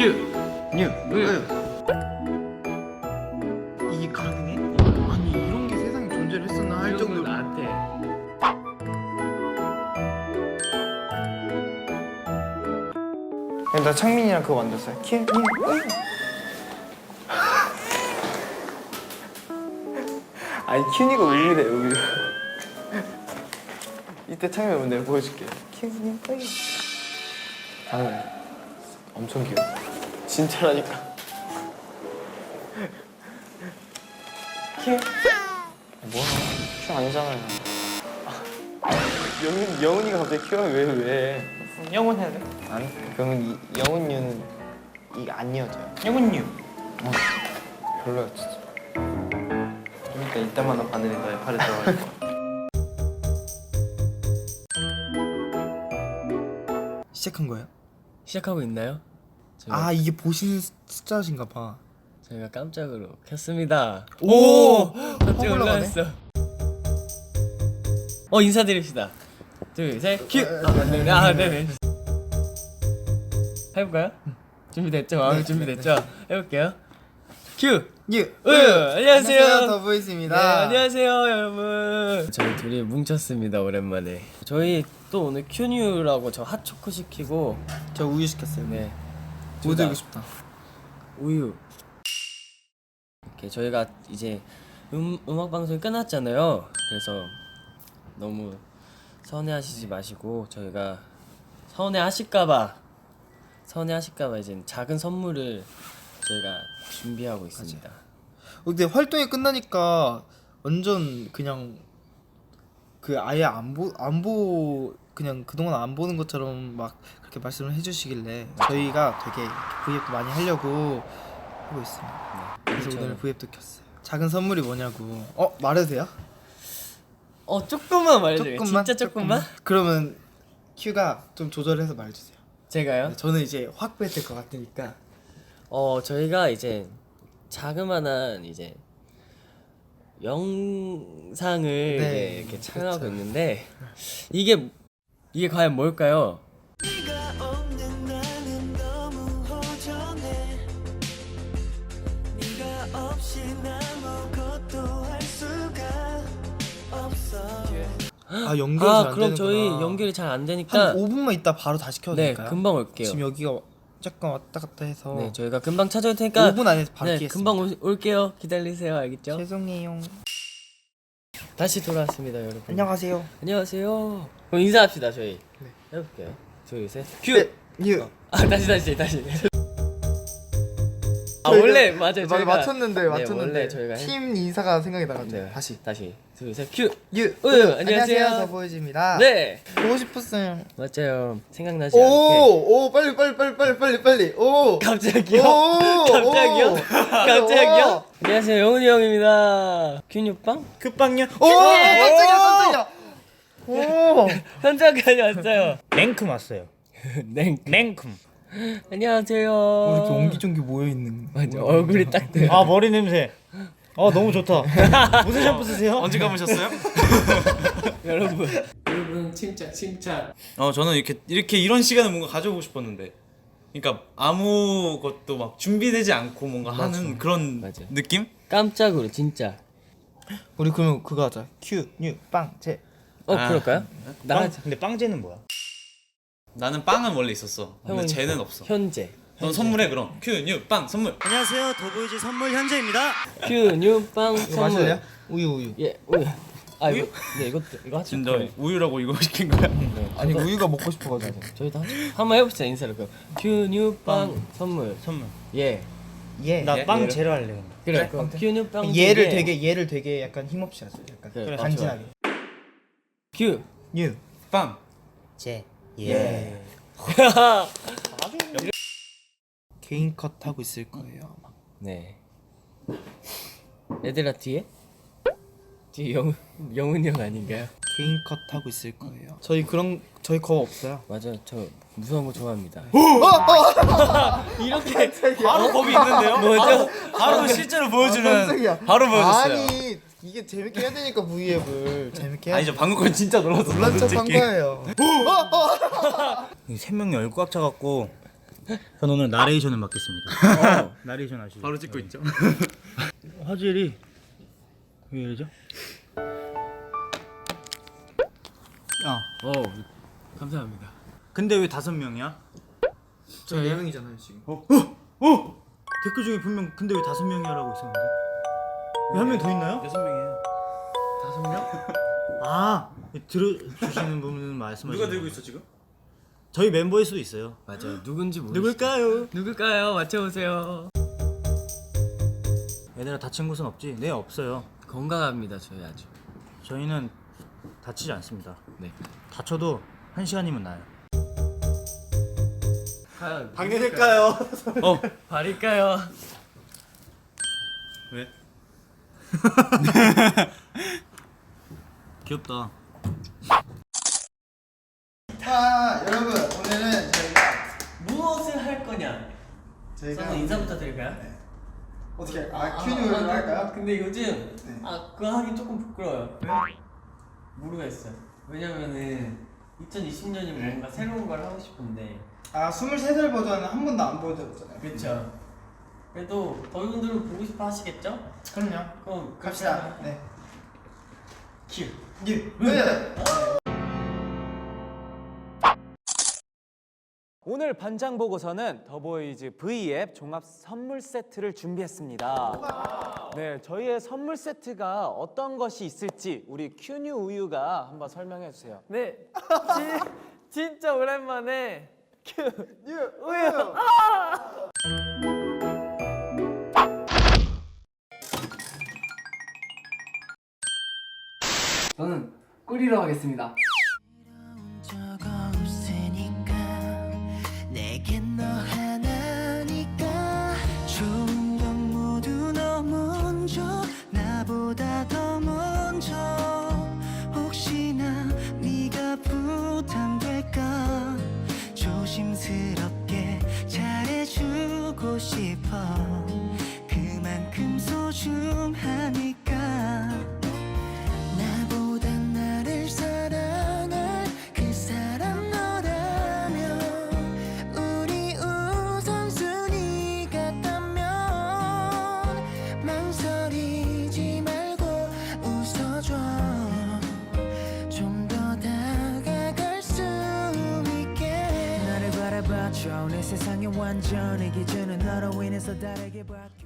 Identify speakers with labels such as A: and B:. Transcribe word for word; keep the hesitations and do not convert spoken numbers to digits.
A: 큐, 뉴, 우유.
B: 이게 가능해? 아니 이런 게 세상에 존재를 했었나 할 정도로.
A: 나한테.
B: 나 창민이랑 그거 만들었어요. 큐, 뉴, 우유. 아니 큐니가 우유래 우유. 이때 창민 오면 내가 보여줄게. 큐, 뉴, 우유. 아, 엄청 귀여워. 진짜라니까. 큐. 뭐야? 큐 아니잖아요. 영훈 영훈이가 갑자기 큐하면 왜 왜? 영훈 해야 돼? 아니 그러면 이, 영훈유는 이게 안 이어져요. 영훈유. 어, 별로야 진짜. 좀 이따 이따만한 바늘이 너의 팔에 들어갈 거야. 시작한 거예요?
A: 시작하고 있나요? 저희가,
B: 아 이게 보시는 숫자신가 봐.
A: 저희가 깜짝으로 켰습니다.
B: 오!
A: 깜짝
B: 확 올라가네.
A: 놀랐어. 어 인사드립시다. 둘, 셋, 큐. 아, 네, 아, 네네. 해볼까요? 준비됐죠? 마음이 준비됐죠? 해볼게요. 큐.
B: 예.
A: 우유. 안녕하세요.
B: 더보이스입니다.
A: 네, 안녕하세요, 여러분. 저희 둘이 뭉쳤습니다, 오랜만에. 저희 또 오늘 큐뉴라고 저 핫초코 시키고,
B: 저 우유 시켰어요.
A: 네,
B: 뭐
A: 둘 다
B: 들고 싶다.
A: 우유. 이렇게 저희가 이제 음, 음악 방송이 끝났잖아요. 그래서 너무 서운해하시지 마시고 저희가 서운해하실까봐 서운해하실까봐 이제 작은 선물을 저희가 준비하고 있습니다.
B: 근데 활동이 끝나니까 완전 그냥 그 아예 안보안보 그냥 그동안 안 보는 것처럼 막 그렇게 말씀을 해주시길래 저희가 되게 브이앱도 많이 하려고 하고 있습니다. 그래서
A: 그렇죠.
B: 오늘 브이앱도 켰어요. 작은 선물이 뭐냐고. 어 말해도 돼요?
A: 어 조금만 말해줘요. 진짜 조금만?
B: 그러면 큐가 좀 조절해서 말해주세요.
A: 제가요?
B: 저는 이제 확 뺏을 것 같으니까.
A: 어 저희가 이제 자그마한 이제 영상을
B: 네,
A: 이제 이렇게 촬영하고
B: 그렇죠.
A: 있는데 이게 이게 과연 뭘까요?
B: 아 연결이
A: 아
B: 잘안
A: 그럼
B: 되는구나.
A: 저희 연결이 잘 안 되니까
B: 한 오 분만 있다 바로 다시 켜도
A: 네
B: 될까요?
A: 금방 올게요.
B: 지금 여기가 잠깐 왔다 갔다 해서
A: 네 저희가 금방 찾아올 테니까
B: 오 분 안에서 바로
A: 네
B: 키겠습니다.
A: 금방 올, 올게요. 기다리세요. 알겠죠?
B: 죄송해요.
A: 다시 돌아왔습니다, 여러분.
B: 안녕하세요.
A: 안녕하세요. 그럼 인사합시다 저희.
B: 네.
A: 해볼게요. 둘, 셋, 큐.
B: 네, 유.
A: 아 다시 다시 다시. 아
B: 저희가-
A: 원래 맞아요.
B: 맞아,
A: 저희가
B: 맞췄는데
A: 네,
B: 맞췄는데
A: 원래 저희가 해-
B: 팀 인사가 생각이 나가지고
A: 네.
B: 다시
A: 다시 둘, 셋, 큐.
B: 유.
A: 우유, 안녕하세요.
B: 더보이즈입니다.
A: 네
B: 보고 싶었어요.
A: 맞아요. 생각나지 않게.
B: 오오 빨리 빨리 빨리 빨리 빨리 빨리 오
A: 갑자기요?
B: 오,
A: 갑자기요?
B: 오.
A: 갑자기요? 안녕하세요, 영훈이 형입니다. 균유빵?
C: 끝방요?
B: 오 깜짝이야 깜짝이야. 오
A: 현장까지 왔어요.
C: 냉큼 왔어요.
A: 냉.
C: 냉큼.
A: 안녕하세요.
B: 뭐 이렇게 옹기종기 모여 있는.
A: 맞아 얼굴이 딱 돼.
C: 아 머리 냄새. 아 너무 좋다. 무슨 샴푸 쓰세요?
D: 언제 감으셨어요?
A: 여러분. 여러분 침착 침착.
D: 어 저는 이렇게 이렇게 이런 시간을 뭔가 가져보고 싶었는데, 그러니까 아무것도 막 준비되지 않고 뭔가 하는 그런
A: 맞아.
D: 느낌?
A: 깜짝으로 진짜.
B: 우리 그러면 그거 하자. 큐, 뉴, 빵, 제.
A: 어
D: 아.
A: 그럴까요? 나
C: 빵, 근데 빵제는 뭐야?
D: 나는 빵은 원래 있었어. 근데
A: 형은
D: 쟤는 없어.
A: 현재.
D: 넌 선물해 그럼. 큐, 뉴, 빵 선물.
C: 안녕하세요. 더보이즈 선물 현재입니다.
A: 큐 뉴빵
B: 이거
A: 선물.
B: 마실래요? 우유 우유.
A: 예 우유. 아
D: 우유?
A: 이거 네 이것도 이거 하죠.
D: 진짜 우유라고 이거 시킨 거야?
A: 네,
B: 아니
A: 저도-
B: 우유가 먹고 싶어가지고.
A: 저희도 한- 한번 해봅시다 인사를 그럼. 큐 뉴빵 선물.
C: 선물.
A: 예.
B: 예.
C: 나
D: 예?
C: 빵
D: 얘를?
C: 제로 할래. 근데.
A: 그래. 그럼 큐 뉴빵.
B: 얘를
A: 예.
B: 되게 얘를 되게 약간 힘없이 하세요. 약간
A: 그래,
B: 간지나게.
A: 큐.
B: 뉴.
D: 빵.
C: 제.
B: 예. 개인 컷 하고 있을 거예요. 아마.
A: 네. 얘들아 뒤에? 뒤에 영훈 영훈이 형 아닌가요?
B: 개인 컷 하고 있을 거예요. 저희 그런 저희 거 없어요.
A: 맞아 저 무서운 거 좋아합니다.
D: 이렇게 바로 법이 있는데요?
A: 뭐죠?
D: 바로 실제로
B: 아,
D: 보여주는.
B: 깜짝이야.
D: 바로 보여줬어요.
B: 아니 이게 재밌게 해야 되니까 브이앱을 재밌게 해야.
D: 아니 저 방금 건 진짜 놀랐어.
B: 놀란 척한 거예요.
C: 세 명이 얼굴 꽉 차갖고 저는 오늘 나레이션을 맡겠습니다.
A: 어.
C: 나레이션 아시죠?
D: 바로 찍고 있죠.
C: 화질이 왜 이러죠? 아
A: 어 감사합니다.
C: 근데 왜 다섯 명이야?
B: 저 네 명이잖아요 지금.
C: 어? 어? 어? 댓글 중에 분명 근데 왜 다섯 명이야라고 있었는데 왜 한 명 더 있나요?
D: 여섯 명이에요.
A: 다섯 명?
C: 아 들어주시는 분은 말씀하시는
D: 누가 들고
C: 거예요.
D: 있어 지금?
C: 저희 member일 수도 있어요.
A: 맞아요. 누군지 모르.
C: 누굴까요?
A: 누굴까요? 맞춰보세요.
C: 얘들아 다친 곳은 없지? 네 없어요.
A: 건강합니다 저희 아주.
C: 저희는 다치지 않습니다.
A: 네.
C: 다쳐도 한 시간이면 나요.
A: 과연
C: 방해될까요?
D: 어
A: 발일까요?
D: 왜?
C: 귀엽다.
B: 아 여러분 오늘은 저희가
A: 무엇을 할 거냐?
B: 저희가
A: 저는 인사부터 드릴까요?
B: 어떻게 할- 아 큐뉴를
A: 아,
B: 할까요?
A: 근데 요즘
B: 네.
A: 아 그거 하기 조금 부끄러워요. 왜? 모르겠어요. 왜냐면은 이천이십 년이 뭔가 새로운 걸 하고 싶은데.
B: 아 스물세 살 버전은 한 번도 안 보여드렸잖아요.
A: 그렇죠. 그래도 더위분들은 보고 싶어 하시겠죠?
B: 그럼요.
A: 그럼
B: 갑시다. 네.
A: 큐.
B: 예. 네.
E: 오늘 반장 보고서는 더보이즈 V앱 종합 선물 세트를 준비했습니다. 네, 저희의 선물 세트가 어떤 것이 있을지 우리 큐뉴 우유가 한번 설명해 주세요.
A: 네. 진, 진짜 오랜만에 큐뉴 우유. 저는 꿀이로 하겠습니다.
F: 적 없으니까 내겐 너 하나니까 좋은 건 모두 너 먼저 나보다 더 먼저 혹시나 네가 부담될까 조심스럽게 잘해주고 싶어 그만큼 소중하니까 나보다 나를 사랑할 그 사람 너라면 우리 우선순위 같다면 망설이지 말고 웃어줘 좀 더 다가갈 수 있게 나를 바라봐줘 내 세상의 완전히 기준은 너로 인해서 다르게 바뀌어